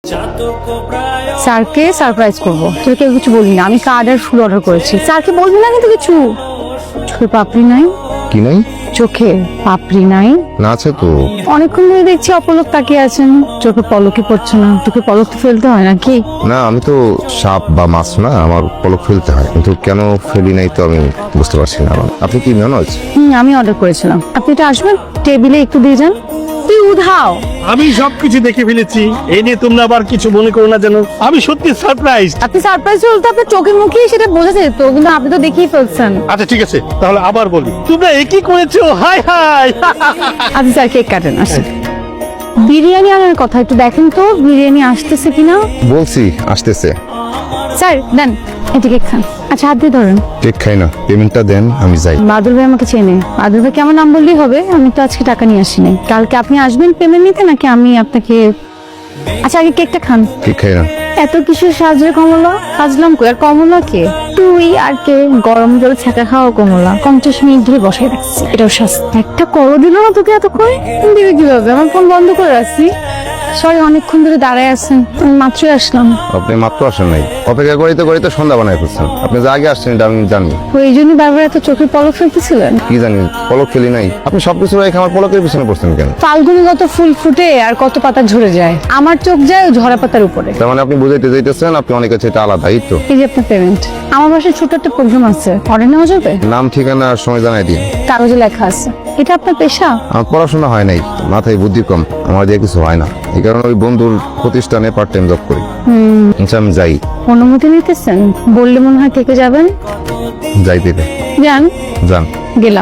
স্যারকে সারপ্রাইজ করবো, তোকে কিছু বলি না। আমি কার্ড আর ফুল অর্ডার করেছি। স্যারকে বলবি না কিন্তু কিছু। চোখে পাপড়ি নাই? কি নাই? চোখে পাপড়ি নাই? না আছে তো। অনেকক্ষণ ধরে দেখছি অপলক তাকিয়ে আছেন, চোখে পলকই পড়ছে না। তোকে পলক তো ফেলতে হয় নাকি? না, আমি তো সাপ বা মাছ না, আমার পলক ফেলতে হয়, কিন্তু কেন ফেলি নাই তো আমি বুঝতে পারছি না। আপনি কি মেনজ? আমি অর্ডার করেছিলাম। আপনি এটা আসবেন, টেবিলে একটু দিয়ে যান। তুই উধাও। আমি সবকিছু দেখে ফেলেছি, এই নিয়ে তোমরা আবার কিছু মনে করো না যেন। আমি সত্যি সারপ্রাইজ। আপনি সারপ্রাইজ হলে তো আপনার চোখে মুখেই সেটা বোঝা যেত, কিন্তু আপনি তো দেখেই ফেলছেন। আচ্ছা ঠিক আছে, তাহলে আবার বলি, তোমরা একই করেছো। Hi hi. আপনি স্যার কেক কাটেন, আসেন। বিরিয়ানি আনার কথা একটু দেখেন তো, বিরিয়ানি আসতেছে কিনা। বলছি আসতেছে। স্যার দেন, এটা কেক খান। আচ্ছা হাত দিয়ে ধরেন। কেক খাই না, পেমেন্টটা দেন, আমি যাই। বাদল ভাই আমাকে চেনে। বাদল ভাইকে আমার নাম বললেই হবে। আমি তো আজকে টাকা নিয়ে আসিনি। কালকে আপনি আসবেন পেমেন্ট নিতে, নাকি আমি আপনাকে? আচ্ছা আগে কেকটা খান। কেক খাই না। এত কিছু সাজরে কমলা সাজলাম কই? আর কমলা কে? তুই আর কে? গরম জল ছাকা খাওয়া কমলা 50 মিনিট ধরে বসাই রাখছি, এটাও শাস্তি। একটা করো দিল না তোকে এতক্ষণ? দিবে কিভাবে? আমার ফোন বন্ধ করে রাখছি। সরি, অনেকক্ষণ ধরে দাঁড়ায় আছেন, আমি মাত্রই আসলাম। আপনি মাত্র আসেন নাই, অপেক্ষা করিতে করিতে সন্ধ্যা বানায় ফেলছেন। আপনি যে আগে আসছেন এটা আমি জানি। ওই জন্যই বারবার এত চোখের পলক ফেলতেছিলেন? কি জানি, পলক ফেলি নাই। আপনি সবকিছু রেখে আমার পলকের পিছনে পড়ছেন কেন? ফাল্গুনি কত ফুল ফুটে আর কত পাতা ঝরে যায়, আমার চোখ যায় ওই ঝরা পাতার উপরে। তার মানে আপনি বুঝাইতে যাইতেছেন আপনি অনেক কাছে এটা আলাদা, এই তো। এই যে আপনার পেমেন্ট। আমার বাসায় ছোট একটা প্রোগ্রাম আছে, অর্ডার নেওয়া যাবে? নাম ঠিকানা আর সময় জানাই দিন। কাগজে লেখা আছে। এটা আপনার পেশা? আমার পড়াশোনা হয় নাই, মাথায় বুদ্ধি কম, আমার দিয়ে কিছু হয় না। এই কারণে ওই বন্ধুর প্রতিষ্ঠানে পার্ট টাইম জব করি। আচ্ছা আমি যাই। অনুমতি নিতেছেন? বললে মনে হয় থেকে যাবেন। যাই দিতে যান। যান। গেলাম।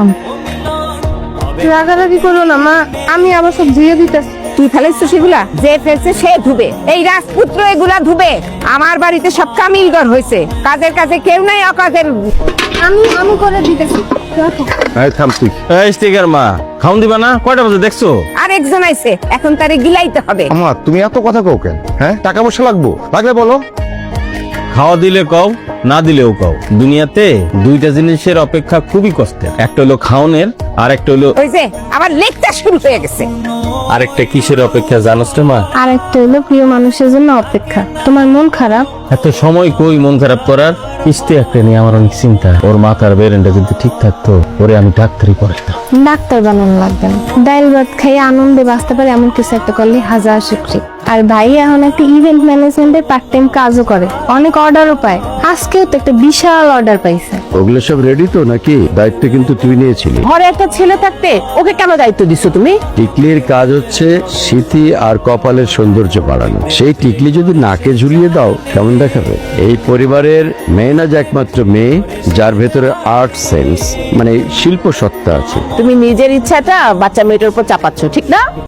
রাগারাগি করো না মা, আমি আবার সব ধুয়ে দিতেছি। তুই ফেলেছিস সেগুলা? যে ফেলছে সে ধুবে, এই রাজপুত্র এগুলা ধুবে। আমার বাড়িতে সব কামিলগর হয়েছে, কাজের কাজে কেউ নাই, অকাজের। আমি করে দিতেছি। এই থাম তুই। এই স্টিকার মা, খাউন দিবা না? কয়টা বাজে দেখছো? আর একজন আইছে, এখন তারে গিলাইতে হবে। আমার তুমি এত কথা কও কেন? হ্যাঁ, টাকা পয়সা লাগবো, লাগলে বলো। খাওয়া দিলে কও, না দিলেও কও। দুনিয়াতে দুইটা জিনিসের অপেক্ষা খুবই কষ্টের, একটা হলো খাওনের, আর একটা হলো ওই যে আবার লেকচার শুরু হয়ে গেছে। আরেকটা কিসের অপেক্ষা জানোস রে মা? আর একটা হলো প্রিয় মানুষের জন্য অপেক্ষা। তোমার মন খারাপ? এত সময় কই মন খারাপ করার? কিস্তি একটা নিয়ে আমার অনেক চিন্তা। ওর মাথার বেরেনটা যদি ঠিক থাকতো, ওরে আমি ডাক্তারি পড়াইতাম। ডাক্তার বানানো লাগবে না, ডাইল ভাত খাইয়ে আনন্দে বাঁচতে পারে এমন কিছু একটা করলে হাজার শুকরি। আর ভাই এখন একটা ইভেন্ট ম্যানেজমেন্টের পার্ট টাইম কাজও করে, অনেক অর্ডারও পায়। আজকেও তো একটা বিশাল অর্ডার পাইছে। ওগুলো সব রেডি তো নাকি? দায়িত্ব কিন্তু তুই নিয়েছিলি। ঘরে একটা ছেলে থাকতে ওকে কেন দায়িত্ব দিছো তুমি? টিকলির কাজ হচ্ছে স্মৃতি আর কপালের সৌন্দর্য বাড়ানো। সেই টিকলি যদি নাকে ঝুলিয়ে দাও কেমন দেখাবে? এই পরিবারের মেয়ে না যে একমাত্র মেয়ে যার ভেতরে আর্ট সেন্স মানে শিল্প সত্তা আছে। তুমি নিজের ইচ্ছাটা বাচ্চা মেয়েটার উপর চাপাচ্ছ, ঠিক না?